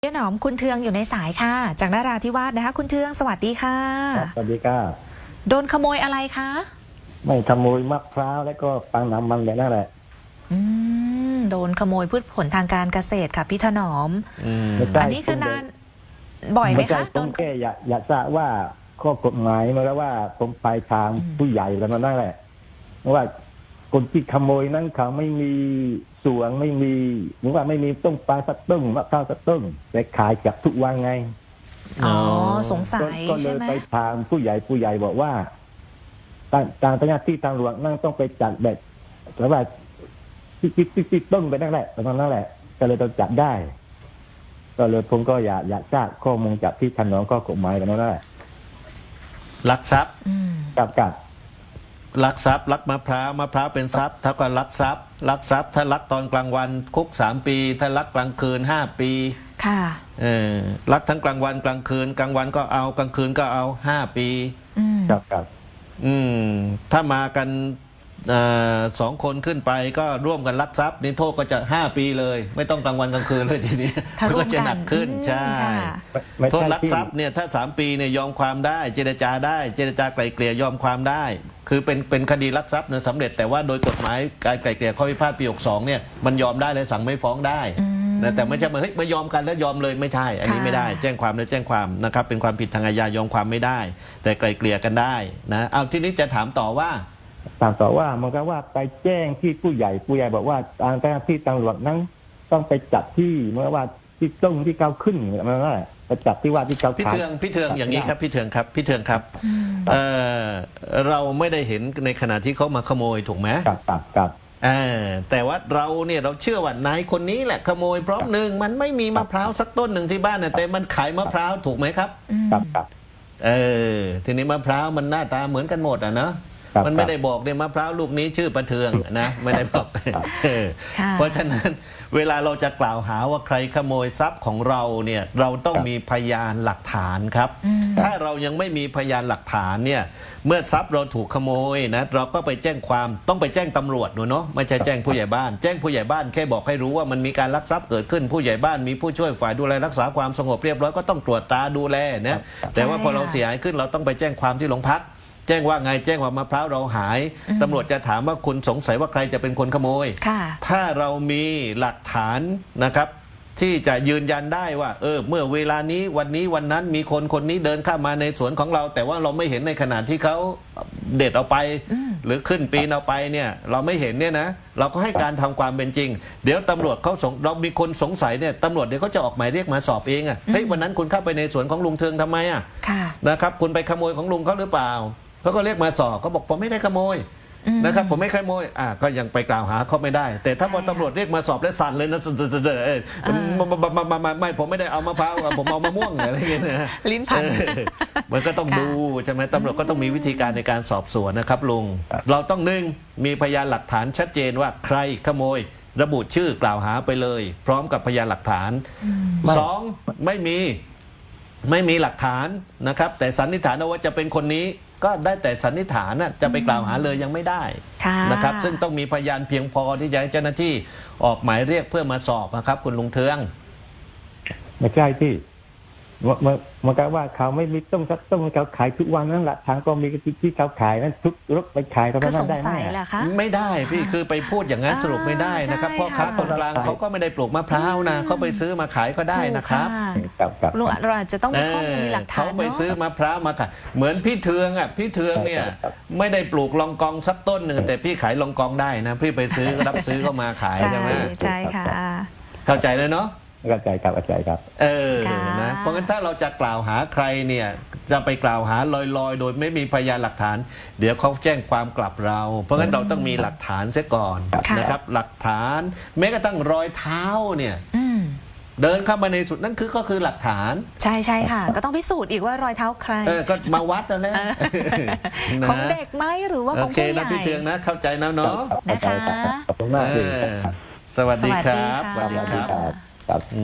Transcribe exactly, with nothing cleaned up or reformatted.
เจ้าหนอมคุณเทืองอยู่ในสายค่ะจากนราธิวาสนะคะคุณเทืองสวัสดีค่ะสวัสดีค่ะโดนขโมยอะไรคะไม่ขโมยมะพร้าวแล้วก็ปังน้ำมันแบบนั่นแหละอืมโดนขโมยพืชผลทางการเกษตรค่ะพี่ถนอมอันนี้คือนานบ่อยไหมคะโดนแค่อยากอยากทราบว่าข้อกฎหมายมาแล้วว่าตรงปลายทางผู้ใหญ่แล้วนั่นแหละเพราะว่าคนที่ขโมยนั้นเขาไม่มีสวนไม่มีหรือว่าไม่มีต้นปลาสักต้นมะพร้าวสักต้นแต่ขายกับทุกวันไงอ๋อสงสัยก็เลยไปทางผู้ใหญ่ผู้ใหญ่บอกว่าทางทางเจ้าหน้าที่ทางหลวงนั่งต้องไปจัดแบบแต่ว่าติดติดติดติดต้นไปนั่นแหละประมาณนั่นแหละก็เลยต้องจัดได้ก็เลยผมก็อยากอยากทราบข้อมูลจากที่ท่านน้องก็กฎหมายกันนั่นแหละลักทรัพย์กับกับลักทรัพย์ลักมะพร้าวมะพร้าวเป็นทรัพย์เท่ากับลักทรัพย์ลักทรัพย์ถ้าลักตอนกลางวันคุกสามปีถ้าลักกลางคืนห้าปีค่ะเออลักทั้งกลางวันกลางคืนกลางวันก็เอากลางคืนก็เอาห้าปีครับครับอืมถ้ามากันสองคนขึ้นไปก็ร่วมกันลักทรัพย์นี่โทษก็จะห้าปีเลยไม่ต้องกลางวันกลางคืนเลยทีนี้มันก็จะหนักขึ้นใช่โทษลักทรัพย์เนี่ยถ้าสามปีเนี่ยยอมความได้เจรจาได้เจรจาไกล่เกลี่ยยอมความได้คือเป็นเป็นคดีลักทรัพย์เนี่ยสำเร็จแต่ว่าโดยกฎหมายการไกล่เกลี่ยข้อพิพาทปีหกสองเนี่ยมันยอมได้เลยสั่งไม่ฟ้องได้แต่ไม่ใช่มาเฮ้ยมายอมกันแล้วยอมเลยไม่ใช่อันนี้ไม่ได้แจ้งความแล้วแจ้งความนะครับเป็นความผิดทางอาญายอมความไม่ได้แต่ไกล่เกลี่ยกันได้นะเอาทีนี้จะถามต่อว่าถามต่อว่ามันก็ว่าไปแจ้งที่ผู้ใหญ่ผู้ใหญ่บอกว่าทางเจ้าหน้าที่ตำรวจนั้นต้องไปจับที่เมื่อว่าที่ต้นที่เก้าขึ้นมันนั่นแหละไปจับที่ว่าที่เก้าพี่เทืองพี่เทืองอย่างนี้ครับพี่เทืองครับพี่เทืองครับเออเราไม่ได้เห็นในขณะที่เขามาขโมยถูกไหมครับครับครับแต่ว่าเราเนี่ยเราเชื่อว่านายคนนี้แหละขโมยเพราะหนึ่งมันไม่มีมะพร้าวสักต้นหนึ่งที่บ้านนะแต่มันขายมะพร้าวถูกไหมครับครับครับเออทีนี้มะพร้าวมันหน้าตาเหมือนกันหมดอ่ะเนาะมันไม่ได้บอกเนี่ยมะพร้าวลูกนี้ชื่อประเทืองนะไม่ได้บอกเพราะฉะนั้นเวลาเราจะกล่าวหาว่าใครขโมยทรัพย์ของเราเนี่ยเราต้องมีพยานหลักฐานครับถ้าเรายังไม่มีพยานหลักฐานเนี่ยเมื่อทรัพย์เราถูกขโมยนะเราก็ไปแจ้งความต้องไปแจ้งตำรวจเนาะไม่ใช่แจ้งผู้ใหญ่บ้านแจ้งผู้ใหญ่บ้านแค่บอกให้รู้ว่ามันมีการลักทรัพย์เกิดขึ้นผู้ใหญ่บ้านมีผู้ช่วยฝ่ายดูแลรักษาความสงบเรียบร้อยก็ต้องตรวจตาดูแลนะแต่ว่าพอเราเสียหายขึ้นเราต้องไปแจ้งความที่โรงพักแจ้งว่าไงแจ้งว่ามะพร้าวเราหายตำรวจจะถามว่าคุณสงสัยว่าใครจะเป็นคนขโมยถ้าเรามีหลักฐานนะครับที่จะยืนยันได้ว่าเออเมื่อเวลานี้วันนี้วันนั้นมีคนคนนี้เดินเข้ามาในสวนของเราแต่ว่าเราไม่เห็นในขณะที่เขาเด็ดเอาไปหรือขึ้นปีนเอาไปเนี่ยเราไม่เห็นเนี่ยนะเราก็ให้การทำความเป็นจริงเดี๋ยวตำรวจเขาสงเรามีคนสงสัยเนี่ยตำรวจเดี๋ยวเขาจะออกหมายเรียกมาสอบเองอ่ะเฮ้ยวันนั้นคุณเข้าไปในสวนของลุงเทืองทำไมอ่ะนะครับคุณไปขโมยของลุงเขาหรือเปล่าเขาก็เรียกมาสอบเขาบอกผมไม่ได้ขโมยนะครับผมไม่ขโมยอ่ะก็ยังไปกล่าวหาเขาไม่ได้แต่ถ้าพอตำรวจเรียกมาสอบแล้วสั่นเลยนะไม่ผมไม่ได้เอามะพร้าวผมเอามะม่วงอะไรเงี้ยนะลิ้นพันมันก็ต้องดูใช่ไหมตำรวจก็ต้องมีวิธีการในการสอบสวนนะครับลุงเราต้องหนึ่งมีพยานหลักฐานชัดเจนว่าใครขโมยระบุชื่อกล่าวหาไปเลยพร้อมกับพยานหลักฐานสองไม่มีไม่มีหลักฐานนะครับแต่สันนิษฐานว่าจะเป็นคนนี้ก็ได้แต่สันนิษฐานนะจะไปกล่าวหาเลยยังไม่ได้นะครับซึ่งต้องมีพยานเพียงพอที่จะให้เจ้าหน้าที่ออกหมายเรียกเพื่อมาสอบนะครับคุณลุงเทืองไม่ใช่ที่มันมันก็ว่าเขาไม่มีต้มสักต้มเขาขายทุกวันนั่นแหละทางก็มีที่เขาขายนั้นทุกรถไปขายก็ไม่ได้ไหมไม่ได้พี่คือไปพูดอย่างนั้นสรุปไม่ได้นะครับพ่อค้าคนกลางเขาก็ไม่ได้ปลูกมะพร้าวนะเขาไปซื้อมาขายก็ได้นะครับลุงเราอาจจะต้องมีข้อมูลมีหลักฐานเขาไปซื้อมะพร้าวมาขายเหมือนพี่เทืองอ่ะพี่เทืองเนี่ยไม่ได้ปลูกลองกองสักต้นหนึ่งแต่พี่ขายลองกองได้นะพี่ไปซื้อรับซื้อเข้ามาขายใช่ไหมใช่ค่ะเข้าใจเลยเนาะเข้าใจครับเข้าใจครับเออนะเพราะงั้นถ้าเราจะกล่าวหาใครเนี่ยจะไปกล่าวหาลอยๆโดยไม่มีพยานหลักฐานเดี๋ยวเขาแจ้งความกลับเราเพราะงั้นเราต้องมีหลักฐานเสียก่อนนะครับหลักฐานแม้กระทั่งรอยเท้าเนี่ยเดินเข้ามาในสุดนั่นคือก็คือหลักฐานใช่ใช่ค่ะก็ต้องพิสูจน์อีกว่ารอยเท้าใครเออก็มาวัดแล้วแหละของเด็กไหมหรือว่าของผู้ใหญ่โอเคนะพี่เทืองนะเข้าใจนะเนาะนะคะขอบคุณมากสวัสดีครับสวัสดีครับ